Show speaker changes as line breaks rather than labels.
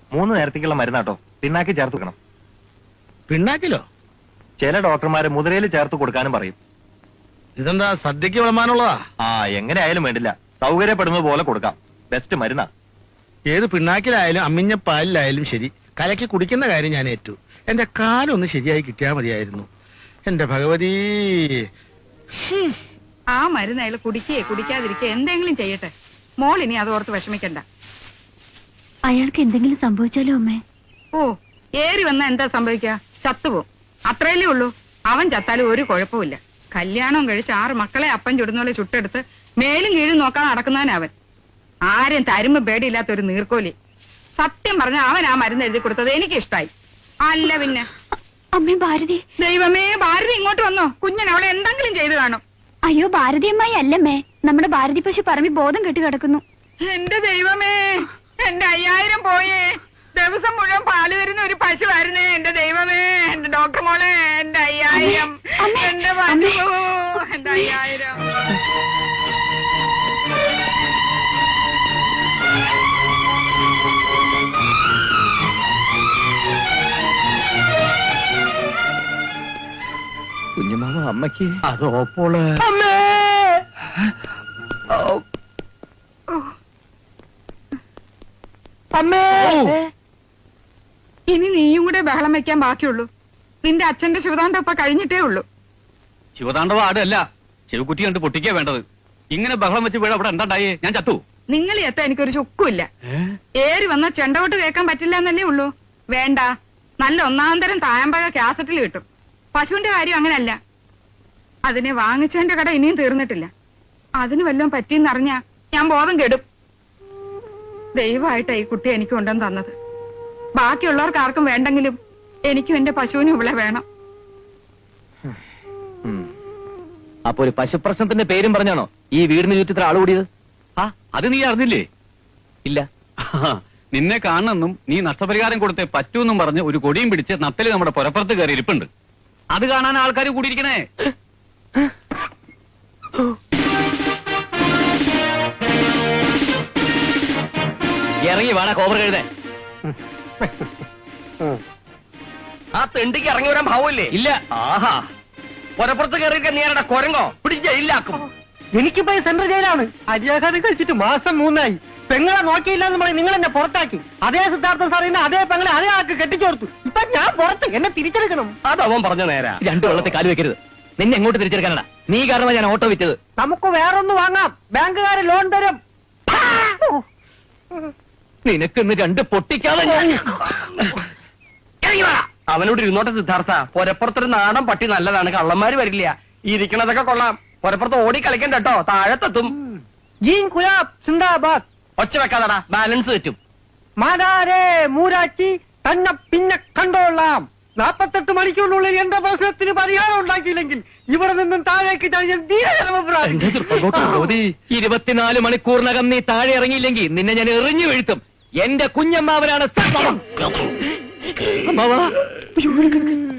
3 നേരത്തേക്കുള്ള മരുന്നാട്ടോ. പിണ്ണാക്കി ചേർത്ത് വെക്കണം.
പിണ്ണാക്കിലോ?
ചില ഡോക്ടർമാര് മുതിരയിൽ ചേർത്ത് കൊടുക്കാനും പറയും.
ഇതെന്താ സദ്യക്ക് വിളമ്പാനുള്ളതാ?
എങ്ങനെ ആയാലും വേണ്ടില്ല, സൗകര്യപ്പെടുന്നത് പോലെ കൊടുക്കാം. ബെസ്റ്റ് മരുന്നാ.
ഏത് പിണ്ണാക്കിലായാലും അമ്മിഞ്ഞ പാലിലായാലും ശരി, കലക്കി കുടിക്കുന്ന കാര്യം ഞാൻ ഏറ്റു. എന്റെ കാലൊന്ന് ശരിയായി കിട്ടിയാ മതിയായിരുന്നു. എന്റെ ഭഗവതി.
ആ മരുന്ന് അയാൾ കുടിക്കേ കുടിക്കാതിരിക്കേ എന്തെങ്കിലും ചെയ്യട്ടെ. മോൾ ഇനി അതോർത്ത് വിഷമിക്കണ്ട.
അയാൾക്ക് എന്തെങ്കിലും സംഭവിച്ചാലോ അമ്മേ?
ഓ, ഏറി വന്നാ എന്താ സംഭവിക്കുക? ചത്തുപോകും, അത്രയല്ലേ ഉള്ളൂ. അവൻ ചത്താലും ഒരു കുഴപ്പമില്ല. കല്യാണം കഴിച്ച് 6 മക്കളെ അപ്പം ചുടുന്നോലെ ചുട്ടെടുത്ത് മേലും കീഴും നോക്കാൻ നടക്കുന്നവനവൻ. ആരും തരുമ്പ് പേടിയില്ലാത്ത ഒരു നീർക്കോലി. സത്യം പറഞ്ഞ അവൻ ആ മരുന്ന് എഴുതി കൊടുത്തത് എനിക്ക് ഇഷ്ടായി. അല്ല പിന്നെ.
അമ്മേ ഭാരതി.
ദൈവമേ, ഭാരതി ഇങ്ങോട്ട് വന്നോ? കുഞ്ഞൻ അവളെ എന്തെങ്കിലും ചെയ്തു കാണും.
അയ്യോ, ഭാരതി അമ്മായി അല്ലമ്മേ, നമ്മുടെ ഭാരതി പശു പറമ്പി ബോധം കെട്ടി കിടക്കുന്നു.
എന്റെ ദൈവമേ, എന്റെ 5000 പോയേ. ദിവസം മുഴുവൻ പാല് തരുന്ന ഒരു പശുവായിരുന്നേ. എന്റെ ദൈവമേ, എന്റെ ഡോക്ടർ മോളെ, എന്റെ 5000, എന്റെ പശു, എന്റെ 5000.
കുഞ്ഞുമാവ അമ്മയ്ക്ക്
അതോപ്പോള്
ഇനി നീയും കൂടെ ബഹളം വെക്കാൻ ബാക്കിയുള്ളൂ. നിന്റെ അച്ഛന്റെ ശിവതാണ്ഡവ കഴിഞ്ഞിട്ടേ ഉള്ളൂ.
ശിവതാണ്ഡവ ആടല്ല, ചെവിക്കുറ്റി കണ്ട് പൊട്ടിക്കാ വേണ്ടത്. ഇങ്ങനെ ബഹളം വെച്ച് വീട് അവിടെ എന്താണ്ടായേ? ഞാൻ ചത്തു.
നിങ്ങൾ എത്താൻ എനിക്കൊരു ചുക്കുമില്ല. ഏറി വന്ന ചെണ്ടവോട്ട് കേൾക്കാൻ പറ്റില്ല എന്നല്ലേ ഉള്ളൂ. വേണ്ട, നല്ല 1-ാം തരം തായമ്പക കാസറ്റിൽ കിട്ടും. പശുവിന്റെ കാര്യം അങ്ങനല്ല. അതിനെ വാങ്ങിച്ചതിന്റെ കട ഇനിയും തീർന്നിട്ടില്ല. അതിന് വല്ലതും പറ്റിയെന്നറിഞ്ഞാ ഞാൻ ബോധം കെടും. ദയവായിട്ടാ ഈ കുട്ടി എനിക്ക് കൊണ്ടുവന്ന് തന്നത്. ബാക്കിയുള്ളവർക്ക് ആർക്കും വേണ്ടെങ്കിലും എനിക്കും എന്റെ പശുവിനും ഇവിടെ വേണം.
അപ്പൊ ഒരു പശു പ്രശ്നത്തിന്റെ പേരും പറഞ്ഞാണോ ഈ വീടിന് ചുറ്റത്തിൽ ആള് കൂടിയത്?
അത് നീ അറിഞ്ഞില്ലേ?
ഇല്ല.
നിന്നെ കാണണമെന്നും നീ നഷ്ടപരിഹാരം കൊടുത്തേ പറ്റൂന്നും പറഞ്ഞ് ഒരു കൊടിയും പിടിച്ച് നത്തല് നമ്മുടെ പുറപ്പുറത്ത് കയറി ഇരിപ്പുണ്ട്. അത് കാണാൻ ആൾക്കാർ കൂടിയിരിക്കണേ.
ഇറങ്ങി വേണ കോബർ കഴുതേ. ആ തെണ്ടിക്ക് ഇറങ്ങി വരാൻ ഭാവമില്ലേ?
ഇല്ല.
ആഹാ, പുറപ്പുറത്ത് കയറിയിരിക്കാൻ നീ ആരുടെ കൊരങ്ങോ? പിടിച്ച് ജയിലാക്കും.
എനിക്കിപ്പോ സെൻട്രൽ ജയിലാണ്. അരിയാഹാരം കഴിച്ചിട്ട് മാസം 3 പെങ്ങളെ നോക്കിയില്ല എന്ന് പറയും. നിങ്ങൾ എന്നെ പുറത്താക്കി. അതേ സിദ്ധാർത്ഥൻ സാറിന് അതേ പെങ്ങളെ അതേ ആൾക്ക് കെട്ടിച്ചോർത്തു. ഇപ്പൊ ഞാൻ പുറത്ത്. എന്നെ തിരിച്ചെടുക്കണം.
അതവൻ പറഞ്ഞ നേരാ. 2 വെള്ളത്തിൽ കാല് വെക്കരുത്. നിന്നെ എങ്ങോട്ട് തിരിച്ചെടുക്കാനടാ? നീ കാരണമാണ് ഞാൻ ഓട്ടോ വിറ്റത്.
നമുക്ക് വേറൊന്ന് വാങ്ങാം. ബാങ്കുകാര് ലോൺ തരും.
നിനക്കിന്ന് 2 പൊട്ടിക്കാതെ അവനോട് ഇരുന്നോട്ടെ സിദ്ധാർത്ഥ. പുരപ്പുറത്തൊരു നാടൻ പട്ടി നല്ലതാണ്, കള്ളന്മാര് വരില്ല. ഇരിക്കണതൊക്കെ കൊള്ളാം. പുരപ്പുറത്ത് ഓടി കളിക്കണ്ട കേട്ടോ, താഴത്തെത്തും.
ജീൻ കുലാബ് സിന്ദാബാദ്.
ഒച്ച വെക്കാതടാ, ബാലൻസ് വെച്ചും.
മാതാരേ മൂരാച്ചി തന്നെ പിന്നെ കണ്ടോളാം. 48 മണിക്കൂറിനുള്ളിൽ എന്റെ പ്രശ്നത്തിന് പരിഹാരം ഉണ്ടാക്കിയില്ലെങ്കിൽ ഇവിടെ നിന്നും താഴേക്ക് ഞാൻ
24 മണിക്കൂറിനകം നീ താഴെ ഇറങ്ങിയില്ലെങ്കിൽ നിന്നെ ഞാൻ എറിഞ്ഞു വീഴ്ത്തും. എന്റെ കുഞ്ഞമ്മാവനാണ്.